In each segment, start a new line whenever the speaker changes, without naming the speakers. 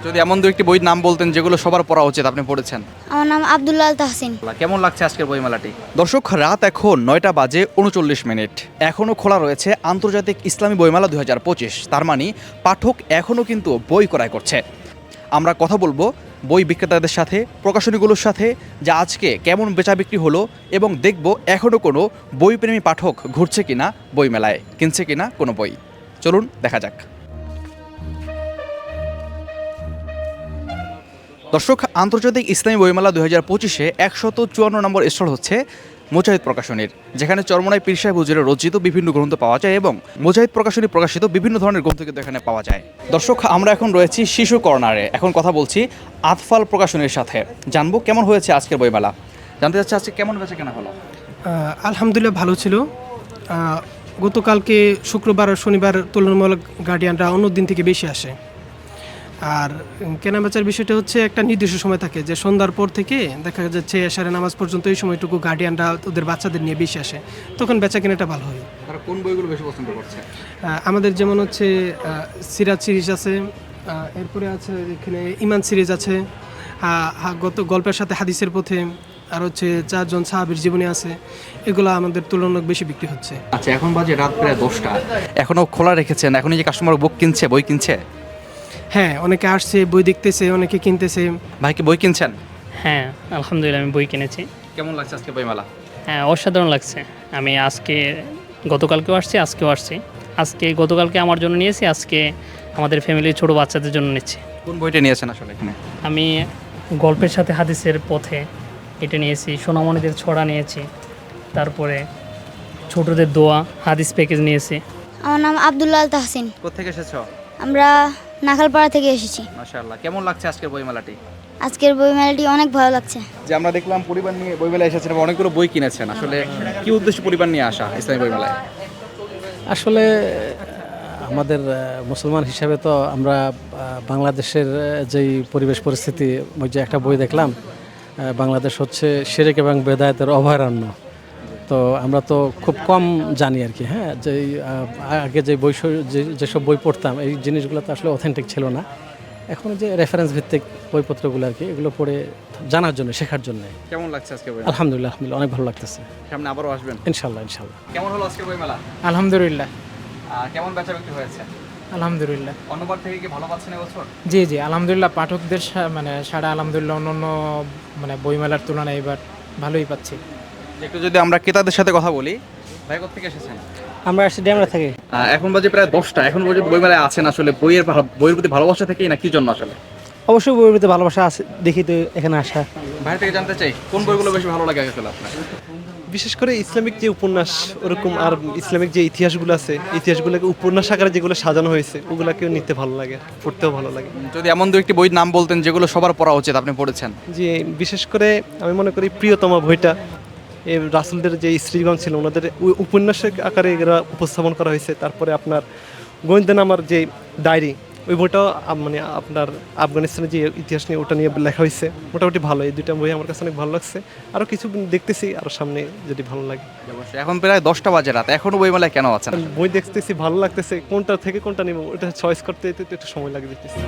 যদি এমন দু একটি বইয়ের নাম বলতেন যেগুলো সবার পড়া উচিত, আপনি পড়েছেন।
আমার নাম আব্দুল্লাহ তাহসিন।
কেমন লাগছে আজকের বইমেলাটি? দর্শক, রাত এখন 9টা বাজে 39 মিনিট। এখনও খোলা রয়েছে আন্তর্জাতিক ইসলামী বইমেলা 2025। তার মানে পাঠক এখনও কিন্তু বই ক্রয় করছে। আমরা কথা বলবো বই বিক্রেতাদের সাথে, প্রকাশনীগুলোর সাথে, যে আজকে কেমন বেচা বিক্রি হলো, এবং দেখব এখনও কোনো বইপ্রেমী পাঠক ঘুরছে কিনা বইমেলায়, কিনছে কিনা কোনো বই। চলুন দেখা যাক। দর্শক, আন্তর্জাতিক ইসলামী বইমেলা 2025-এ 154 নম্বর স্টল হচ্ছে মুজাহিদ প্রকাশনীর, যেখানে চরমোনাই পীর সাহেব হুজুরের রচিত বিভিন্ন গ্রন্থ পাওয়া যায় এবং মুজাহিদ প্রকাশনী প্রকাশিত বিভিন্ন ধরনের গ্রন্থ কিন্তু এখানে পাওয়া যায়। দর্শক, আমরা এখন রয়েছি শিশু কর্নারে। এখন কথা বলছি আতফাল প্রকাশনীর সাথে, জানবো কেমন হয়েছে আজকের বইমেলা। জানতে চাচ্ছি আজকে কেমন বেচা কেনা হলো।
আলহামদুলিল্লাহ ভালো ছিল। গতকালকে শুক্রবার আর শনিবার তুলনামূলক গার্ডিয়ানরা অন্য দিন থেকে বেশি আসে। আর কেনাবেচার বিষয়টা হচ্ছে একটা নির্দিষ্ট সময় থাকে, যে সন্ধ্যার পর থেকে দেখা যাচ্ছে এশারের নামাজ পর্যন্ত এই সময়টুকু গার্ডিয়ানরা ওদের বাচ্চাদের নিয়ে বেশি আসে, তখন বেচা কেনাটা ভালো হয়।
তারা কোন বইগুলো বেশি পছন্দ করছে?
আমাদের যেমন হচ্ছে সিরাজ সিরিজ আছে, এরপরে আছে এখানে ইমান সিরিজ আছে, গত গল্পের সাথে হাদিসের পথে, আর হচ্ছে 4 জন সাহাবীর জীবনী আছে। এগুলো আমাদের তুলনামূলক বেশি বিক্রি হচ্ছে।
আচ্ছা, এখন বাজে রাত প্রায় 10টা, এখনও খোলা রেখেছেন? এখন এই যে কাস্টমার বুক কিনছে, বই কিনছে?
হ্যাঁ, অনেকে আসছে, বই দেখতেছে, অনেকে কিনতেছে।
ভাই কি বই কিনছেন?
হ্যাঁ, আলহামদুলিল্লাহ আমি বই কিনেছি।
কেমন লাগছে আজকে বইমেলা?
হ্যাঁ, অসাধারণ লাগছে। আমি গতকালকেও আসছি, আজকেও আসছি। গতকালকে আমার জন্য নিয়েছি, আজকে আমাদের ফ্যামিলির ছোট বাচ্চাদের জন্য নিচ্ছি।
কোন বইটা নিয়েছেন আসলে এখানে?
আমি গল্পের সাথে হাদিসের পথে এটা নিয়েছি, সোনামণিদের ছড়া নিয়েছি, তারপরে ছোটদের দোয়া হাদিস প্যাকেজ নিয়েছি।
আমার নাম আব্দুল্লাহ তাহসিন।
কোত্থেকে এসেছো?
আমরা নাখালপাড়া থেকে এসেছি।
মাশাআল্লাহ, কেমন লাগছে আজকের বইমেলাটি?
আজকের বইমেলাটি অনেক ভালো লাগছে।
যে আমরা দেখলাম পরিবার নিয়ে বইমেলায় এসেছেন এবং অনেকগুলো বই কিনেছেন, আসলে কি উদ্দেশ্যে পরিবার নিয়ে আসা ইসলামী বইমেলায়?
আসলে আমাদের মুসলমান হিসাবে তো আমরা বাংলাদেশের যেই পরিবেশ পরিস্থিতি, ওই যে একটা বই দেখলাম, বাংলাদেশ হচ্ছে শিরক এবং বেদায়েতের অভয়ারণ্য। তো আমরা তো খুব কম জানি আর কি। হ্যাঁ, যে আগে যে যেসব বই পড়তাম, এই জিনিসগুলো তো আসলে অথেন্টিক ছিল না। এখন যে রেফারেন্স ভিত্তিক বইপত্রগুলো আর কি, এগুলো পড়ে জানার জন্য, শেখার জন্য।
কেমন লাগছে আজকে বই?
আলহামদুলিল্লাহ অনেক ভালো লাগতেছে।
সামনে আবারও আসবেন
ইনশাল্লাহ।
কেমন হলো আজকের বইমেলা?
আলহামদুলিল্লাহ।
কেমন বেচা বিক্রি হয়েছে?
আলহামদুলিল্লাহ।
অন্যবার থেকে কি ভালো পাচ্ছেন এবছর?
জি জি, আলহামদুলিল্লাহ। পাঠকদের সাড়া আলহামদুলিল্লাহ অন্য বইমেলার তুলনায় এবার ভালোই পাচ্ছি।
একটু যদি আমরা ক্রেতাদের সাথে কথা বলি, ভাই কোত্থেকে এসেছেন?
আমরা আসছি ড্যামরা থেকে।
এখন বাজে প্রায় 10টা, এখন পর্যন্ত বইমেলায় আছেন, আসলে বইয়ের প্রতি ভালোবাসা থেকেই না কি জন্য আসলে?
অবশ্যই বইয়ের প্রতি ভালোবাসা আছে, দেখি তো এখানে আসা।
বাইরে থেকে জানতে চাই কোন বইগুলো বেশি ভালো লাগে আসলে আপনার?
বিশেষ করে ইসলামিক যে উপন্যাস ওরকম, আর ইসলামিক যে ইতিহাসগুলো আছে, ইতিহাসগুলোকে উপন্যাস আকারে যেগুলো সাজানো হয়েছে, ওগুলাকেও নিতে ভালো লাগে, পড়তেও ভালো লাগে।
যদি এমন দু একটি বইয়ের নাম বলতেন যেগুলো সবার পড়া উচিত, আপনি পড়েছেন।
যে বিশেষ করে আমি মনে করি প্রিয়তমা বইটা, এই রাসূলদের যে স্ত্রীগণ ছিল, ওনাদের উপন্যাসের আকারে এগুলো উপস্থাপন করা হয়েছে। তারপরে আপনার গোয়েন্দানামার যে ডায়েরি, ওই বইটাও মানে আপনার আফগানিস্তানের যে ইতিহাস নিয়ে, ওটা নিয়ে লেখা হয়েছে। মোটামুটি ভালো, এই দুইটা বই আমার কাছে অনেক ভালো লাগছে। আরও কিছু দেখতেছি, আরও সামনে যদি ভালো লাগে।
এখন প্রায় 10টা বাজে রাত, এখনো বইমেলায় কেন আছেন?
বই দেখতেছি, ভালো লাগতেছে, কোনটা থেকে কোনটা নেব ওটা চয়েস করতে একটু সময় লাগে দেখতেছি।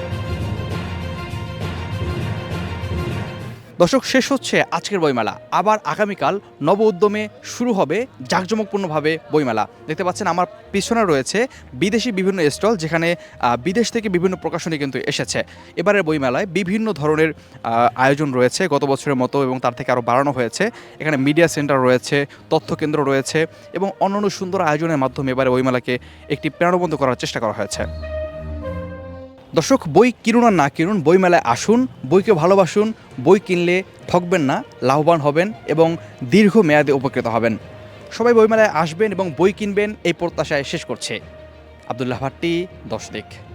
দর্শক, শেষ হচ্ছে আজকের বইমেলা। আবার আগামীকাল নব উদ্যমে শুরু হবে জাঁকজমকপূর্ণভাবে বইমেলা। দেখতে পাচ্ছেন আমার পিছনে রয়েছে বিদেশি বিভিন্ন স্টল, যেখানে বিদেশ থেকে বিভিন্ন প্রকাশনী কিন্তু এসেছে। এবারের বইমেলায় বিভিন্ন ধরনের আয়োজন রয়েছে গত বছরের মতো, এবং তার থেকে আরও বাড়ানো হয়েছে। এখানে মিডিয়া সেন্টার রয়েছে, তথ্য কেন্দ্র রয়েছে, এবং অন্যান্য সুন্দর আয়োজনের মাধ্যমে এবারে বইমেলাকে একটি প্রাণবন্ত করার চেষ্টা করা হয়েছে। দর্শক, বই কিনুন আর না কিনুন, বইমেলায় আসুন, বইকে ভালোবাসুন। বই কিনলে ঠকবেন না, লাভবান হবেন এবং দীর্ঘমেয়াদে উপকৃত হবেন। সবাই বইমেলায় আসবেন এবং বই কিনবেন, এই প্রত্যাশায় শেষ করছে আব্দুল্লাহ ভাট্টি, 10 দিক।